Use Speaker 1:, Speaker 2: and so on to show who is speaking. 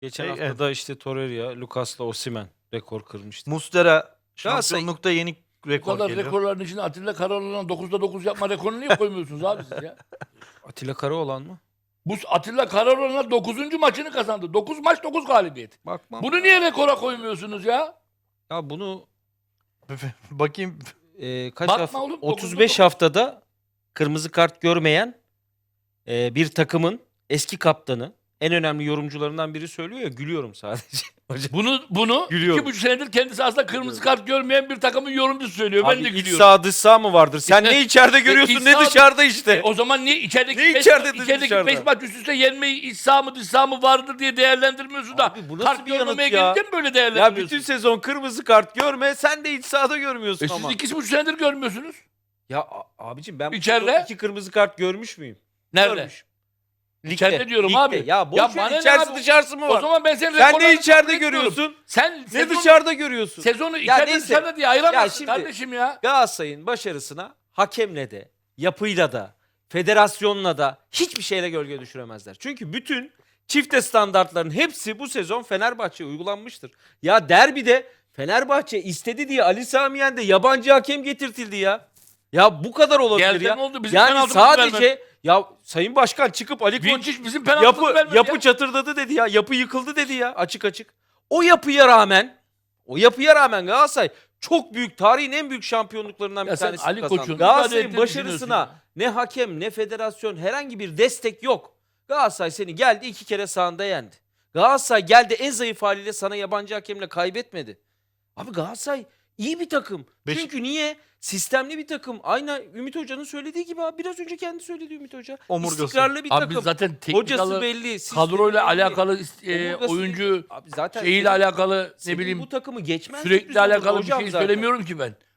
Speaker 1: Geçen
Speaker 2: Evet.
Speaker 1: hafta da işte Torreira, Lucas'la Osimhen rekor kırmıştı.
Speaker 2: Muslera
Speaker 1: Galatasaray-
Speaker 2: şampiyonlukta yeni
Speaker 3: Bu
Speaker 2: rekor
Speaker 3: kadar
Speaker 2: geliyor.
Speaker 3: rekorların içinde Atilla Karaoğlan'ın 9'da 9 yapma rekorunu niye koymuyorsunuz abi siz ya?
Speaker 1: Atilla Karaoğlan mı?
Speaker 3: Bu Atilla Karaoğlan'la 9. maçını kazandı. 9 maç 9 galibiyet.
Speaker 1: Bakmam.
Speaker 3: Bunu niye rekora koymuyorsunuz ya?
Speaker 1: Ya bunu
Speaker 2: Bakayım.
Speaker 1: kaç
Speaker 3: Bakma
Speaker 1: hafta?
Speaker 3: oğlum,
Speaker 1: 35
Speaker 3: dokuzda
Speaker 1: haftada kırmızı kart görmeyen bir takımın eski kaptanı, en önemli yorumcularından biri söylüyor ya, gülüyorum sadece. Hocam.
Speaker 3: Bunu
Speaker 1: Gülüyorum.
Speaker 3: 2,5 senedir kendisi aslında kırmızı kart görmeyen bir takımın yorumcusu söylüyor.
Speaker 1: Abi
Speaker 3: Ben de
Speaker 1: iç
Speaker 3: gülüyorum.
Speaker 1: sağ dış sağ mı vardır? Sen
Speaker 3: İşte-
Speaker 1: ne içeride görüyorsun
Speaker 3: iç
Speaker 1: ne
Speaker 3: sağ-
Speaker 1: dışarıda işte.
Speaker 3: O zaman niye içerideki
Speaker 1: Ne
Speaker 3: 5
Speaker 1: içeride de dışarıda?
Speaker 3: maç üst üste yenmeyi iç sağ mı dış sağ mı vardır diye değerlendirmiyorsun da
Speaker 1: Abi bu nasıl
Speaker 3: kart
Speaker 1: bir yanıt
Speaker 3: görmemeye
Speaker 1: ya?
Speaker 3: gelince mi böyle
Speaker 1: Ya
Speaker 3: değerlendiriyorsun?
Speaker 1: bütün sezon kırmızı kart görme, sen de iç sahada görmüyorsun
Speaker 3: Siz
Speaker 1: ama.
Speaker 3: 2,5 senedir görmüyorsunuz.
Speaker 1: Ya abicim ben bu
Speaker 3: İçeride?
Speaker 1: sezon 2 kırmızı kart görmüş müyüm?
Speaker 3: Nerede?
Speaker 1: Görmüş.
Speaker 3: İçeride diyorum
Speaker 1: ligde.
Speaker 3: abi.
Speaker 1: Ya boş
Speaker 3: Ya
Speaker 1: ver,
Speaker 3: bana ne
Speaker 1: içerisi
Speaker 3: abi?
Speaker 1: dışarısı mı var?
Speaker 3: O zaman ben senin
Speaker 1: Sen
Speaker 3: rekorlarını
Speaker 1: ne içeride
Speaker 3: kabul etmiyorum.
Speaker 1: görüyorsun?
Speaker 3: Sen
Speaker 1: Ne dışarıda görüyorsun?
Speaker 3: sezonu
Speaker 1: Ya
Speaker 3: içeride
Speaker 1: neyse.
Speaker 3: dışarıda diye ayıramazsın
Speaker 1: şimdi-
Speaker 3: kardeşim ya.
Speaker 1: Galatasaray'ın başarısına hakemle de, yapıyla da, federasyonla da hiçbir şeyle gölge düşüremezler. Çünkü bütün çifte standartların hepsi bu sezon Fenerbahçe'ye uygulanmıştır. Ya derbide Fenerbahçe istedi diye Ali Sami Yen'de yabancı hakem getirtildi ya. Ya bu kadar olabilir
Speaker 3: Geldi
Speaker 1: ya.
Speaker 3: mi oldu? Bizim
Speaker 1: Yani
Speaker 3: penaltımızı
Speaker 1: sadece
Speaker 3: vermedi.
Speaker 1: ya Sayın Başkan çıkıp Ali Koç
Speaker 3: Vinçic bizim penaltımızı vermedi
Speaker 1: yapı
Speaker 3: ya.
Speaker 1: çatırdadı dedi ya. Yapı yıkıldı dedi ya açık açık. O yapıya rağmen Galatasaray çok büyük, tarihin en büyük şampiyonluklarından
Speaker 3: Ya
Speaker 1: bir
Speaker 3: sen
Speaker 1: tanesini
Speaker 3: Ali
Speaker 1: kazandı.
Speaker 3: Koç'un müdahale
Speaker 1: Galatasaray'ın
Speaker 3: ettiğini
Speaker 1: başarısına
Speaker 3: düşünüyorsun
Speaker 1: ne hakem ne federasyon herhangi bir destek yok. Galatasaray seni geldi 2 kere sahanda yendi. Galatasaray geldi en zayıf haliyle sana yabancı hakemle kaybetmedi. Abi Galatasaray iyi bir takım. Çünkü niye? Sistemli bir takım. Aynı Ümit Hoca'nın söylediği gibi abi. Biraz önce kendi söyledi Ümit Hoca.
Speaker 2: Omurgası.
Speaker 1: İstikrarlı bir
Speaker 3: Abi
Speaker 1: takım.
Speaker 3: biz zaten
Speaker 1: Hocası
Speaker 3: teknik
Speaker 1: belli. sistemi
Speaker 3: kadroyla
Speaker 1: belli.
Speaker 3: alakalı
Speaker 1: Omurgası
Speaker 3: oyuncu
Speaker 1: belli. Abi zaten
Speaker 3: şeyiyle
Speaker 1: senin-
Speaker 3: alakalı ne
Speaker 1: senin
Speaker 3: bileyim
Speaker 1: bu takımı geçmez.
Speaker 3: sürekli
Speaker 1: düzenli
Speaker 3: alakalı bir
Speaker 1: hocam
Speaker 3: şey
Speaker 1: zaten.
Speaker 3: söylemiyorum ki ben.